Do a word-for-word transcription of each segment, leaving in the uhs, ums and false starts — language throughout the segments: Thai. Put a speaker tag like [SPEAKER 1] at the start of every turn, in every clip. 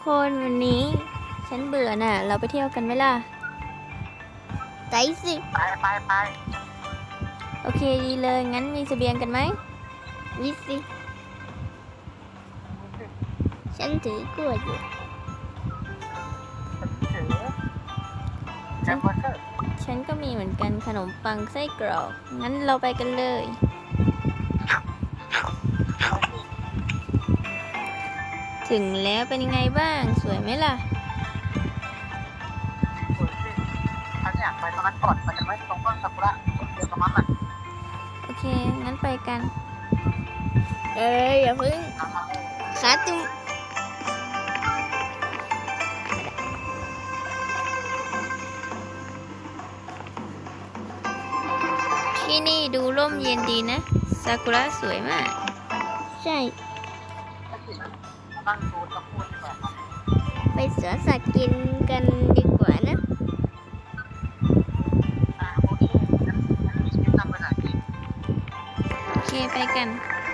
[SPEAKER 1] คนวันนี้ฉันเบื่อน่ะเราไปเที่ยวกันไหมล่ะไปสิ
[SPEAKER 2] ไปไปไป
[SPEAKER 1] โอเคดีเลยงั้นมีเสบียงกันไหมวิสิฉันถือกล้วยอยู่
[SPEAKER 2] ถือแฮมเบอร์เกอร์
[SPEAKER 1] ฉันก็มีเหมือนกันขนมปังไส้กรอกงั้นเราไปกันเลยถึงแล้วเป็นยังไงบ้างสวยไหมล่ะ
[SPEAKER 2] สวยสิฉันอยากไปตรงนั้นก่อนมันจะไม่ตรงต้นซากุระต้นเดียวกับมันอ่ะ
[SPEAKER 1] โอเคงั้นไปกันเอ้ยอย่าพึ่งขาจุ่มที่นี่ดูร่มเย็นดีนะซากุระสวยมากใช่
[SPEAKER 2] นั่งดูตะพูดดีกว่าครับ
[SPEAKER 1] ไปสวนสัตว์กินกันดีกว่านะ
[SPEAKER 2] อ่าโอเคงั้นงั้นมีชีวิตนำไปไหนดี
[SPEAKER 1] โอเคไปกัน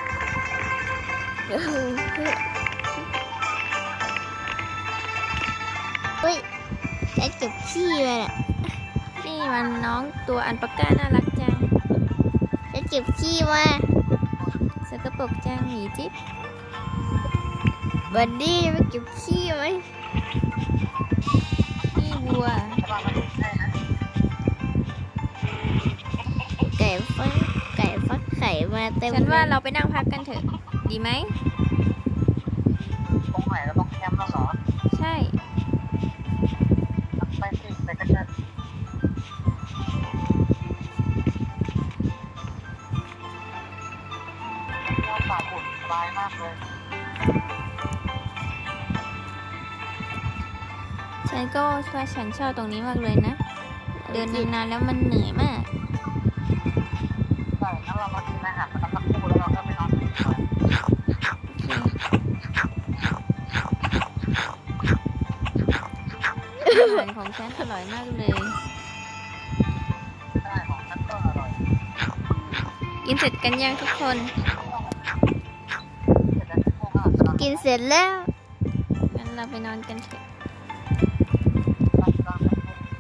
[SPEAKER 1] เฮ้ยฉันเก็บขี้มาน่ะนี่มันน้องตัวอันปากก้าน่ารักจังฉันเก็บขี้มาสกปรกจังหมีจิ๊บบัดดี้ไปเก็บขี้ไหมนี่วัว
[SPEAKER 2] แต่ว่ามันไม่ใช่นะ
[SPEAKER 1] ไก่ฟักไก่ฟักไข่มาเต็มฉันว่าเราไปนั่งพักกันเถอะดีไหม
[SPEAKER 2] ตรงไหนเราต้องแคมป์แล้วเหรอ
[SPEAKER 1] ใช่
[SPEAKER 2] ไปสิไปกันเถอะเราป่าบุญสบายมากเลย
[SPEAKER 1] ฉันก็ว่าฉันชอบตรงนี้มากเลยนะ เดินนานๆแล้วมันเหนื่อยมาก
[SPEAKER 2] ใช่งั้นเรามากินอาหารกันสักครู่แล้วเราก็ไปนอนกันก่อน
[SPEAKER 1] อาหารของฉันอร่อยมากเลย
[SPEAKER 2] ใช่ของฉันก็อร่อย
[SPEAKER 1] กินเสร็จกันยังทุกคน
[SPEAKER 2] เสร็จแล้วพวกเราจะนอน
[SPEAKER 1] กินเสร็จแล้วงั้นเราไปนอนกันเถอะ
[SPEAKER 2] กันกันกัน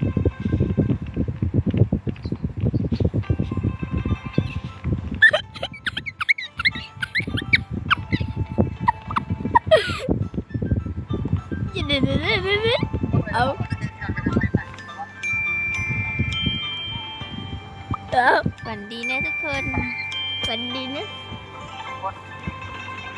[SPEAKER 1] เอา เอาฝันดีนะทุกคนฝันดีนะ